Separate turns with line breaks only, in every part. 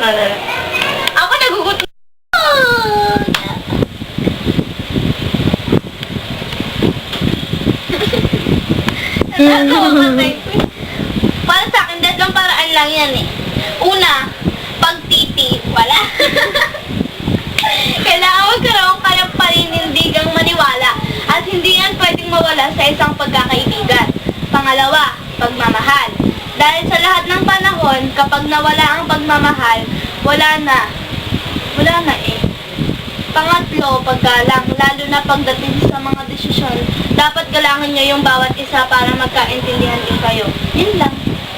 Ako nagugutom. Para sa akin, datlong paraan lang yan eh. Una, pagtiti, wala. Kailangan magkaroon ka ng paninindigang maniwala at hindi yan pwedeng mawala sa isang pagkakaibigan. Pangalawa, pagmamahal. Dahil sa lahat ng panahon, kapag nawala ang pagmamahal, wala na. Wala na eh. Pangatlo, paggalang, lalo na pagdating sa mga desisyon, dapat galangan nyo yung bawat isa para magkaintindihan din kayo. Yun lang.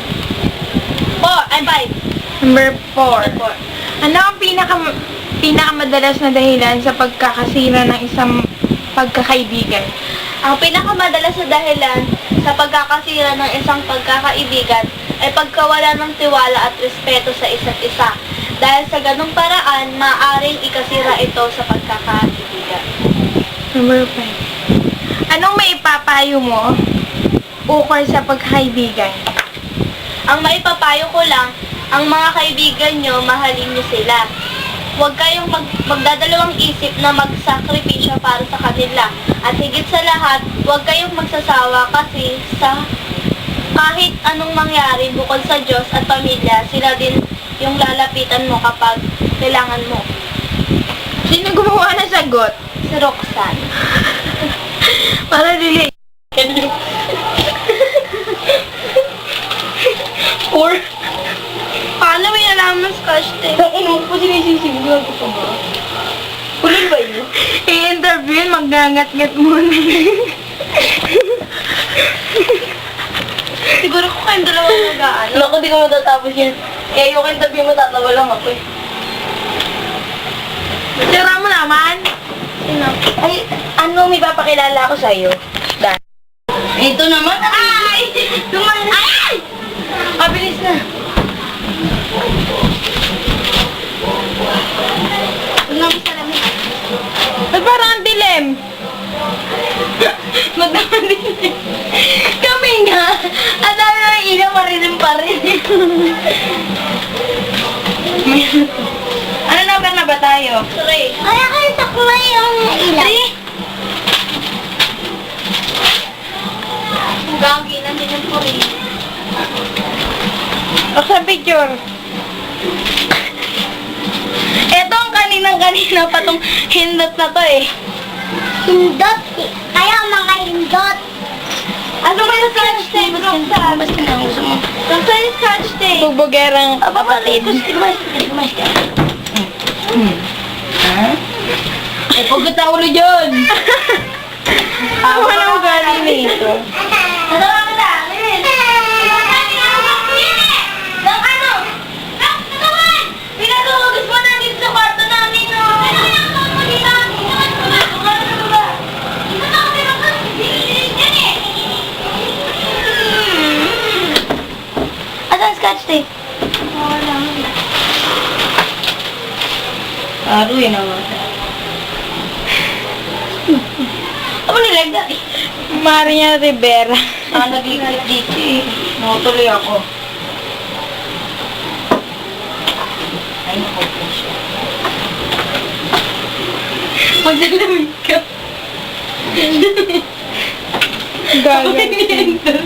5.
Number 4. Ano ang pinakamadalas na dahilan sa pagkakasira ng isang pagkakaibigan?
Ang pinakamadalas na dahilan sa pagkakasira ng isang pagkakaibigan ay pagkawala ng tiwala at respeto sa isa't isa. Dahil sa ganung paraan, maaaring ikasira ito sa pagkakaibigan.
Number 5. Anong maipapayo mo ukol sa pagkakaibigan?
Ang maipapayo ko lang, ang mga kaibigan nyo, mahalin nyo sila. Huwag kayong magdadalawang isip na magsakripisyo para sa kanila. At higit sa lahat, huwag kayong magsasawa kasi sa kahit anong mangyari bukod sa Diyos at pamilya, sila din yung lalapitan mo kapag kailangan mo.
Sino gumawa ng sagot?
Si Roxanne.
Para dili.
Or, paano may nalaman scotch tape?
Ano po sinisisiglan ko pa ba?
Kulay ba yun?
I-interview, magngangat-ngat muna.
Siguro ko kayong dalawang nagaan.
Naku, di ko matatapos yan. Kaya yung interview mo, tatawa lang ako eh.
Sira mo naman.
Sino?
Ay, ano may papakilala ako sa'yo? Dan. Ito naman.
Ay! Tumalas! Ay!
Mabilis na.
Tingnan mo sa lamig.
Ay, parang ang dilim.
Magdamalisin. Kami nga. Ang dami ng ilaw, marilim pa rin. Ano number na ba tayo?
3.
Ay, kayo taklay yung ilaw.
Gagi na din yung puri.
O sa picture.
Ito ang kaninang-kanina pa tong hindot na to eh.
Hindot. Kaya mga hindot.
Ano ba yung scotch tape, Roxanne?
Basta na gusto mo.
Roxanne yung scotch tape.
Bubugerang kapatid.
Eh, pugot na ulo dyan.
Ano man ang ugali nito?
Natawa ka na. Lilin. Nang ano? Nang katawan! Pinaluhugis mo na dito sa kwarto namin, no? Ano yung katawan mo dito? Ginawan mo ba? Ginawan mo ba? Ginawan ako pero dililig yan eh. Asan scotch tape? Wala.
Aruin naman.
Ano nilagay?
Maria Rivera.
Naglikit dito eh. Nakutuloy ako. Ay, naku siya.
Magdalamig ka. Gagal.